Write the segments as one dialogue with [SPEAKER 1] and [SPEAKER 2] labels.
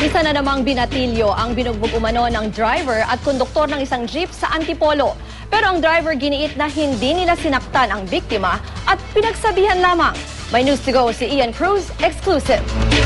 [SPEAKER 1] Isa na namang binatilyo ang binugbog umano ng driver at konduktor ng isang jeep sa Antipolo. Pero ang driver giniit na hindi nila sinaktan ang biktima at pinagsabihan lamang. May news to go si Ian Cruz, exclusive.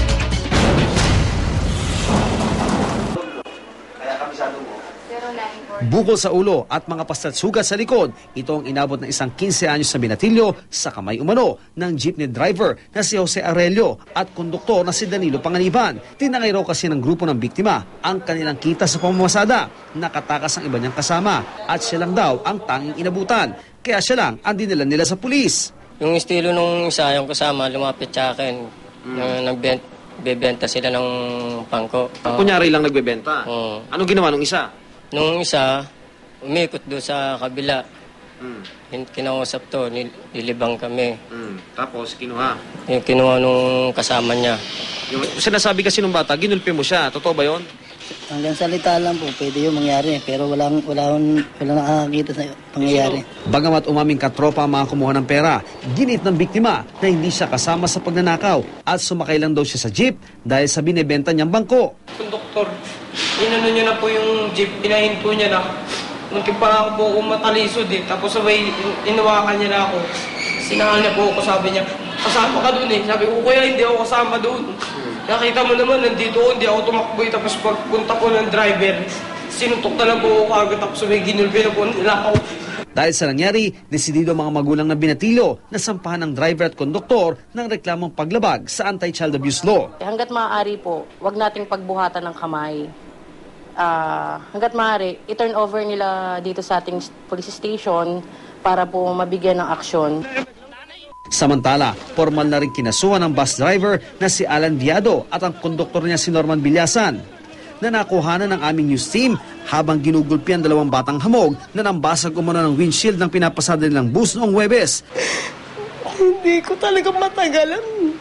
[SPEAKER 2] Bukol sa ulo at mga pastat sugat sa likod, ito ang inabot ng isang 15 anyos na binatilyo sa kamay umano ng jeepney driver na si Jose Aurelio at konduktor na si Danilo Panganiban. Tinangay raw kasi ng grupo ng biktima ang kanilang kita sa pamamasada. Nakatakas ang iba niyang kasama at siya lang daw ang tanging inabutan. Kaya siya lang ang dinala nila sa pulis.
[SPEAKER 3] Yung estilo nung isa, yung kasama, lumapit sa akin. Nagbebenta sila ng pangko.
[SPEAKER 2] Kunyari lang nagbebenta? Anong ginawa nung isa?
[SPEAKER 3] Nung isa, umikot doon sa kabila. Kinausap to, nilibang kami.
[SPEAKER 2] Tapos kinuha?
[SPEAKER 3] Yung kinuha nung kasama niya.
[SPEAKER 2] Yung sinasabi kasi nung bata, ginulpi mo siya. Totoo ba yun?
[SPEAKER 4] Hanggang salita lang po, pwede yung mangyari. Pero wala nakakakita sa pangyayari.
[SPEAKER 2] Bagamat umaming katropa ang mga kumuha ng pera, ginit ng biktima na hindi siya kasama sa pagnanakaw at sumakay lang daw siya sa jeep dahil sa binebenta niyang bangko.
[SPEAKER 5] Konduktor, inano niya na po yung jeep, pinahin po niya na. Muntik pa ako po matalisod eh. Tapos sabay, inawakan niya na ako. Sinahal niya po ako, sabi niya, kasama ka doon eh. Sabi ko, kuya, hindi ako kasama doon. Nakita mo naman, nandito ako, hindi ako tumakbo eh. Tapos pagpunta po ng driver, sinuntok na lang po ako agad. Tapos sabay, ginulpi na po nila ako.
[SPEAKER 2] Dahil sa nangyari, desidido ang mga magulang na binatilyo na sampahan ng driver at konduktor ng reklamong paglabag sa anti-child abuse law.
[SPEAKER 6] Hanggat maaari po, wag nating pagbuhatan ng kamay. Hanggat maaari, i-turn over nila dito sa ating police station para po mabigyan ng aksyon.
[SPEAKER 2] Samantala, formal na rin kinasuhan ng bus driver na si Alan Viado at ang konduktor niya si Norman Bilyasan na nakuhanan ng aming news team habang ginugulpi ang dalawang batang hamog na nambasag umano ng windshield ng pinapasada nilang bus noong Huwebes.
[SPEAKER 5] Hindi ko talaga matagalan.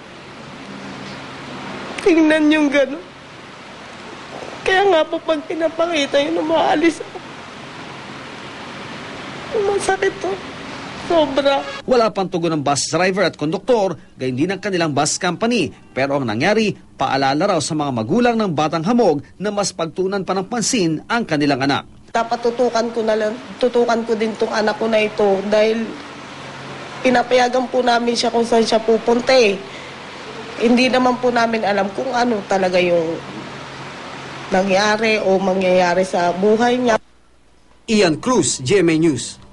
[SPEAKER 5] Tingnan yung gano'n. Kaya nga po pag pinapakita yun, umaalis ako. Masakit to. Sobra.
[SPEAKER 2] Wala pang tugon ng bus driver at konduktor, gayon din ang kanilang bus company. Pero ang nangyari, paalala raw sa mga magulang ng batang hamog na mas pagtuunan pa ng pansin ang kanilang anak.
[SPEAKER 5] Dapat tutukan ko din tong anak ko na ito dahil pinapayagan po namin siya kung saan siya pupunta eh. Hindi naman po namin alam kung ano talaga yung nangyari o mangyayari sa buhay niya.
[SPEAKER 2] Ian Cruz, GMA News.